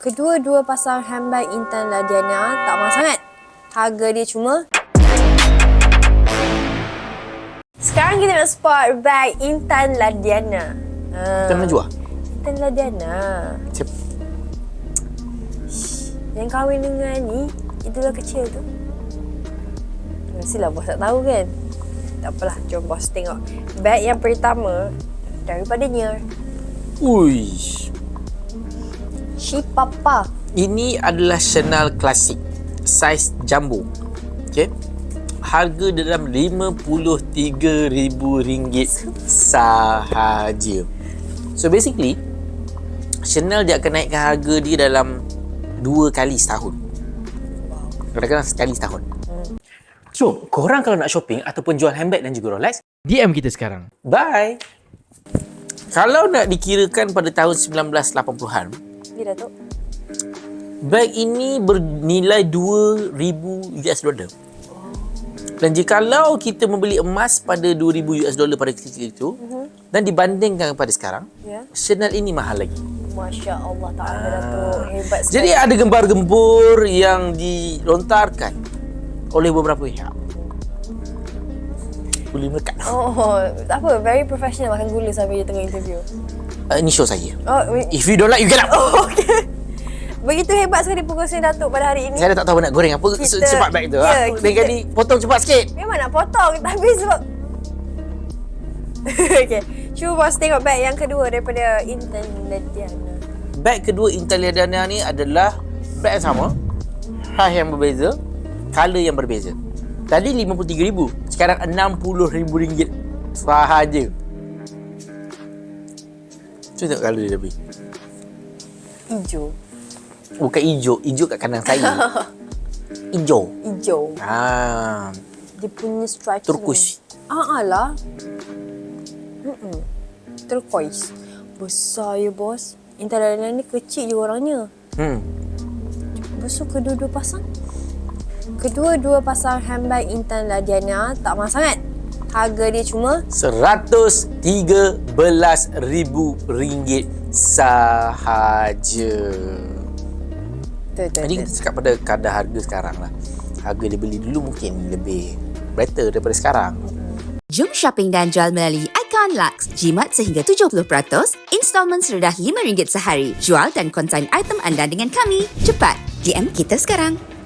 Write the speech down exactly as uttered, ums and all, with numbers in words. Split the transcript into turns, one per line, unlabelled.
Kedua-dua pasang handbag Intan Ladiana tak mahal sangat. Harga dia cuma... Sekarang kita nak spot bag Intan Ladiana. Ha.
Intan Najwa?
Intan Ladiana.
Siapa?
Yang kahwin dengan ni, itulah kecil tu. Mestilah bos tak tahu kan? Tak apalah, jom bos tengok. Bag yang pertama daripada Nier.
Uish.
Shi Papa.
Ini adalah Chanel Classic saiz jumbo. Okey. Harga dalam lima puluh tiga ribu ringgit sahaja. So basically Chanel dia akan naikkan harga dia dalam dua kali setahun. Kadang-kadang sekali setahun.
Hmm.
So, korang kalau nak shopping ataupun jual handbag dan juga Rolex, D M kita sekarang.
Bye. Kalau nak dikirakan pada tahun sembilan belas lapan puluhan,
Dia Datuk.
bag ini bernilai dua ribu US dollar. Dan jikalau kita membeli emas pada dua ribu US dollar pada ketika itu, uh-huh. dan dibandingkan pada sekarang,
yeah.
Chanel ini mahal lagi.
Masya Allah Ta'ala Datuk. Hebat sekali.
Jadi ada gembar-gembur yang dilontarkan oleh beberapa pihak. Boleh melekat.
Oh, tak apa. Very professional makan gula sambil dia tengah interview.
Uh, ini show saya.
Oh, we...
If you don't like, you get out.
Oh, okay. Begitu hebat sekali perkongsian Datuk pada hari ini.
Saya dah tak tahu nak goreng apa kita, cepat bag tu.
Ya,
Aku kita... kali potong cepat sikit.
Memang nak potong tapi sebab okay. Cuba bos tengok bag yang kedua daripada Intan Ladiana.
Bag kedua Intan Ladiana ni adalah bag yang sama, size yang berbeza, color yang berbeza. Tadi lima puluh tiga ribu, sekarang enam puluh ribu ringgit sahaja. Cuba tengok color dia lebih.
Hijau.
Bukan hijau, hijau kat kanan saya. Hijau.
Hijau.
Ah,
Dia punya stripes.
turquoise.
Ah, ah lah. Mm-mm. Turquoise. Besar ya bos. Intan Ladiana ni kecil je orangnya.
Hmm.
Lepas tu kedua-dua pasang. Kedua-dua pasang handbag Intan Ladiana tak mahal sangat. Harga dia cuma
seratus tiga belas ribu ringgit sahaja.
Betul, betul,
Jadi kita cakap pada kadar harga sekarang lah. Harga dia beli dulu mungkin lebih better daripada sekarang.
Jom shopping dan jual melalui Icon Lux. Jimat sehingga tujuh puluh peratus, installment serendah lima ringgit sehari. Jual dan konsign item anda dengan kami. Cepat, D M kita sekarang.